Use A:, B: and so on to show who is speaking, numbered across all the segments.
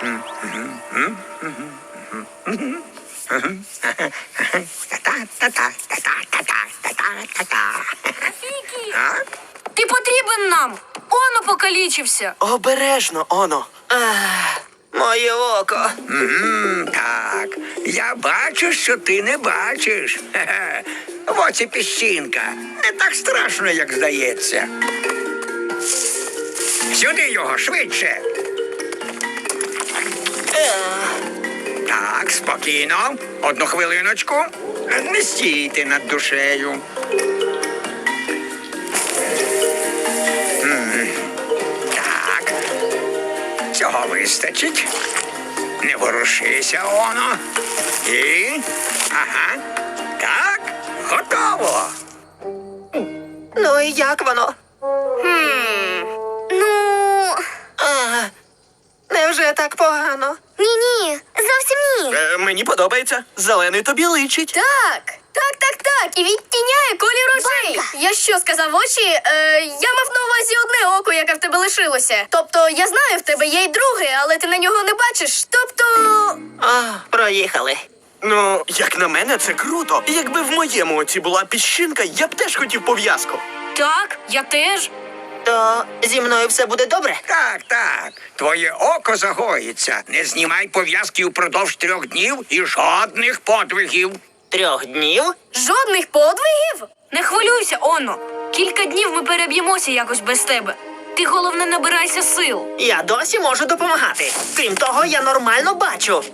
A: Ти потрібен нам. Оно покалічився.
B: Обережно, Оно. Моє око.
C: Так, я бачу, що ти не бачиш. Хе-хе. В оці піщинка. Не так страшно, як здається. Сюди його, швидше. Так, спокійно. Одну хвилиночку. Не стійте над душею. Так. Цього вистачить. Не ворушися, Оно. І... Ага. Так, готово.
B: Ну і як воно?
D: Ну,
B: Невже так погано?
D: ні-ні, зовсім ні.
B: Мені подобається. Зелений тобі личить.
A: Так. І відтіняє колір очей. Я що, сказав очі? Я мав на увазі одне око, яке в тебе лишилося. Тобто, я знаю, в тебе є й друге, але ти на нього не бачиш. Тобто...
B: Проїхали. Ну, як на мене, це круто. Якби в моєму оці була піщинка, я б теж хотів пов'язку.
A: Так, я теж.
B: То зі мною все буде добре?
C: Так, так. Твоє око загоїться. Не знімай пов'язки упродовж 3 днів і жодних подвигів.
B: 3 днів?
A: Жодних подвигів? Не хвилюйся, Оно. Кілька днів ми переб'ємося якось без тебе. Ти, головне, набирайся сил.
B: Я досі можу допомагати. Крім того, я нормально бачу.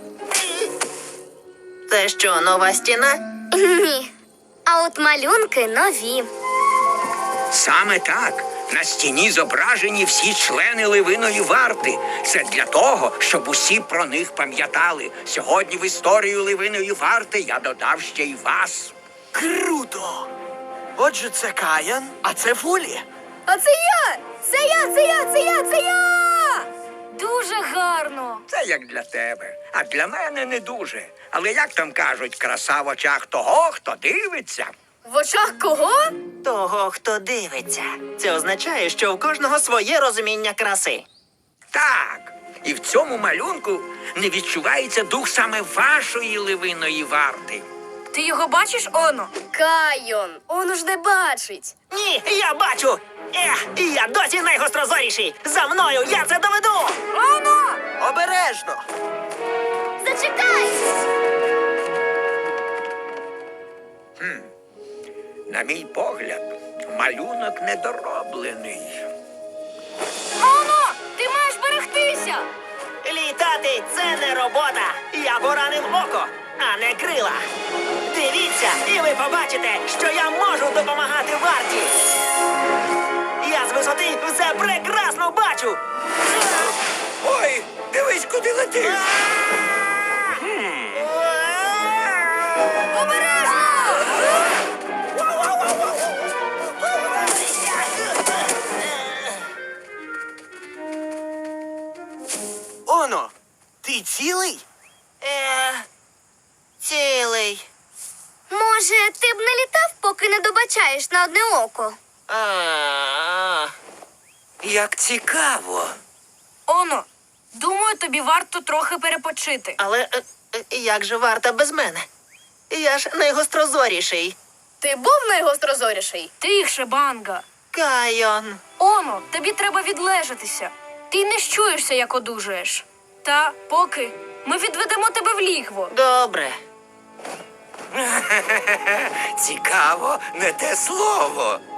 B: Це що, нова стіна?
D: Ні. А от малюнки нові.
C: Саме так. На стіні зображені всі члени Ливиної варти. Це для того, щоб усі про них пам'ятали. Сьогодні в історію Ливиної варти я додав ще й вас.
B: Круто! Отже, це Каян, а це Фулі.
A: А це я! Це я! Дуже гарно.
C: Це як для тебе, а для мене не дуже. Але як там кажуть, краса в очах того, хто дивиться.
A: В очах кого?
B: Того, хто дивиться. Це означає, що в кожного своє розуміння краси.
C: Так, і в цьому малюнку не відчувається дух саме вашої Ливиної варти.
A: Ти його бачиш, Оно? Кайон, Оно ж не бачить.
B: Ні, я бачу! І я досі найгострозоріший! За мною я це доведу!
A: Оно!
B: Обережно!
D: Зачекай!
C: На мій погляд, малюнок недороблений.
A: Оно! Ти маєш берегтися!
B: Літати – це не робота! Я поранив око, а не крила! Дивіться, і ви побачите, що я можу допомагати варті! Я з висоти все прекрасно бачу!
C: Ой, дивись, куди летиш!
A: Обережно!
B: Оно, ти цілий? Цілий.
D: Може, ти б не літав, поки не добачаєш на одне око?
B: Як цікаво.
A: Оно, думаю, тобі варто трохи перепочити.
B: Але як же варта без мене? Я ж найгострозоріший.
A: Ти був найгострозоріший? Тихше, Банга.
B: Кайон.
A: Оно, тобі треба відлежатися. Ти не щуєшся, як одужаєш. Та поки ми відведемо тебе в лігво.
B: Добре.
C: Цікаво, не те слово.